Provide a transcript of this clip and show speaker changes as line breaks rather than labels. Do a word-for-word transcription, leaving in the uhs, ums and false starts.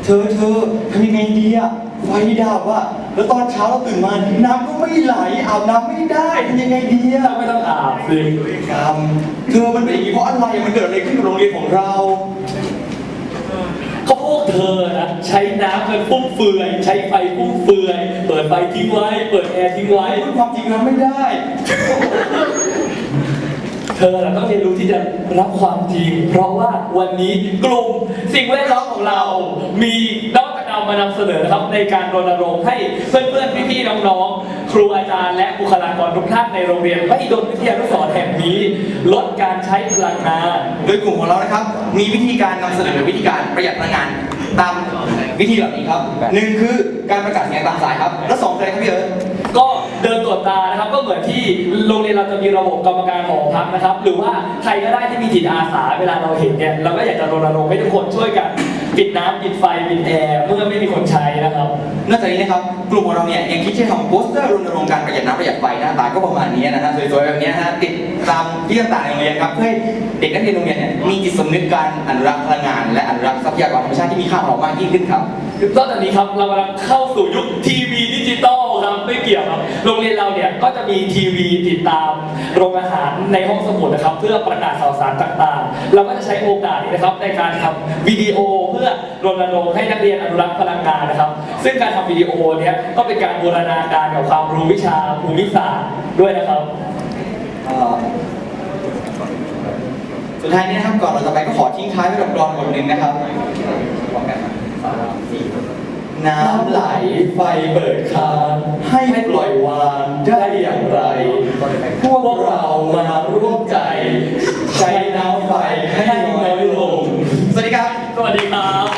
เธอเธอทำยังไงดีอะไฟดับอะแล้วตอนเช้าเราตื่นมาน้ำก็ไม่ไหลอาบน้ำไม่ได้ทำยังไงดีอะ
ไม่ต้องอาบสิ
กรรมเธอมันเป็นอย่างนี้เพราะอะไรมันเกิดอะไรขึ้นกับโรงเรียนของเรา
เขาพวกเธอนะใช้น้ำกันฟุ่มเฟือยใช้ไฟฟุ่มเฟือยเปิดไฟทิ้งไว้เปิดแอร์ทิ้งไว้
พูดความจริงแล้วไม่ได้
เธอน่ะต้องเรียนรู้ที่จะรับความจริงเพราะว่าวันนี้กลุ่มสิ่งแวดล้อมของเรา มีนวัตกรรมมานำเสนอนะครับในการรณรงค์ให้เพื่อนๆพี่ๆน้องๆครูอาจารย์และบุคลากรทุกท่านในโรงเรียนมหิดลวิทยานุสรณ์แห่งนี้ลดการใช้พลังงาน
โดยกลุ่มของเรานะครับมีวิธีการนำเสนอวิธีการประหยัดพลังงานตามวิธีเหล่านี้ครับหนึ่งคือการประกาศเสียงตามสายครับและสองคืออะไรครับพี่เอิร์ธ
ก็เดินตรวจตานะครับก็เหมือนที่โรงเรียนเราจะมีระบบกรรมการหอพักนะครับหรือว่าใครก็ได้ที่มีจิตอาสาเวลาเราเห็นเนี่ยเราก็อยากจะรณรงค์ให้ทุกคนช่วยกันปิดน้ำปิดไฟปิดแอร์เมื่อไม่มีคนใช้นะครับ
นอกจากนี้นะครับกลุ่มของเราเนี่ยยังคิดจะทำโปสเตอร์รณรงค์การประหยัดน้ำประหยัดไฟหน้าตาก็ประมาณนี้นะฮะสวยๆแบบนี้นะฮะติดตามที่ต่างๆในโรงเรียนครับเพื่อให้เด็กนักเรียนโรงเรียนเนี่ยมีจิตสำนึกการอนุรักษ์พลังงาน และอนุรักษ์ทรัพยากรธรรมชาติที่มีค่าของเรามากยิ่งขึ้นครับ
นอกจากนี้ครับเรากำลังเข้าสู่ยุคทีวีดิจิตอลครับไม่เกี่ยวครับโรงเรียนเราเนี่ยก็จะมีทีวีติดตามโรงอาหารในห้องสมุดนะครับเพื่อประกาศข่าวสารต่างๆ เราก็จะใช้โอกาสนี้นะครับในการทำวิดีโอเพื่อรณรงค์ให้นักเรียนอนุรักษ์พลังงานนะครับซึ่งการทำวิดีโอเนี้ยก็เป็นการบูรณาการกับความรู้วิชาภูมิศาสตร์ด้วยนะครับ
เอ่อสุดท้ายนี้นะครับก่อนเราจะไปก็ขอทิ้งท้ายไว้กับกลอนบทหนึ่งนะครับน้ำไหลไฟเปิดคานให้ปล่อยวางได้อย่างไร พวกเรามาร่วมใจ ใช้น้ำไฟให้น้อยลง สวัสดีครับ
สวัสดีครับ